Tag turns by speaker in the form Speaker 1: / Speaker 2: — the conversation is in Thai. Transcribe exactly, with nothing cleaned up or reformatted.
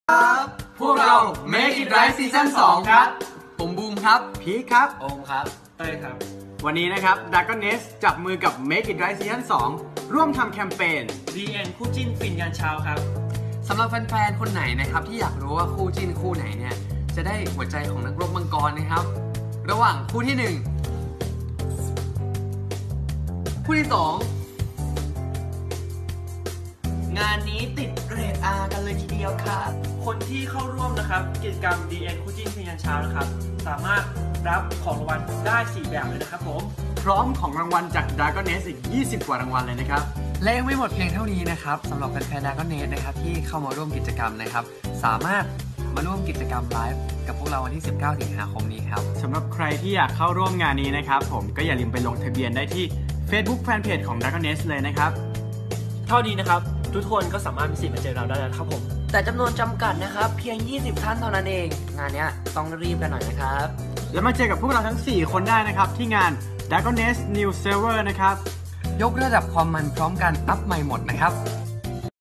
Speaker 1: ครับพวกเรา Make It Right ซีซั่นสองครับผมบูมครับ
Speaker 2: พีคครับ
Speaker 1: โอมครับเต้ยครับ
Speaker 2: วันนี้นะครับ Dragoness จับมือกับ Make It Right ซีซั่นสองร่วมทำแคมเปญ
Speaker 3: ดี เอ็น คู่จิ้นฟินยันเช้าครับ
Speaker 1: สำหรับแฟนๆคนไหนนะครับที่อยากรู้ว่าคู่จิ้นคู่ไหนเนี่ยจะได้หัวใจของนักรบมังกรนะครับระหว่างคู่ที่หนึ่งคู่ที่สอง
Speaker 3: งานนี้ติดเรท อาร์ กันเลยทีเดียวครับคนที่เข้าร่วมนะครับกิจกรรม ดี เอ็น คู่จิ้นฟินยันเช้านะครับสามารถรับของรางวัลได้สี่แบบเลยนะครับผม
Speaker 2: พร้อมของรางวัลจาก Dragoness อีกยี่สิบกว่ารางวัลเลยนะครับ
Speaker 1: และยังไม่หมดเพียงเท่านี้นะครับสำหรับแฟนๆ Dragoness นะครับที่เข้ามาร่วมกิจกรรมนะครับสามารถมาร่วมกิจกรรมไลฟ์กับพวกเราวันที่สิบเก้าสิงหาคมนี้ครับ
Speaker 2: สำหรับใครที่อยากเข้าร่วมงานนี้นะครับผมก็อย่าลืมไปลงทะเบียนได้ที่ Facebook Fanpage ของ Dragoness เลยนะครับ
Speaker 3: เท่านี้นะครับทุกคนก็สามารถมีสิทธิ์มาเจอเราได้แล้วครับผม
Speaker 1: แต่จำนวนจำกัดนะครับเพียงยี่สิบท่านเท่านั้นเองงานนี้ต้องรีบกันหน่อยนะครับ
Speaker 2: แล้วมาเจอกับพวกเราทั้งสี่คนได้นะครับที่งาน Dragoness New Server นะครับ
Speaker 1: ยกระดับความมันพร้อมกันอัพใหม่หมดนะครับ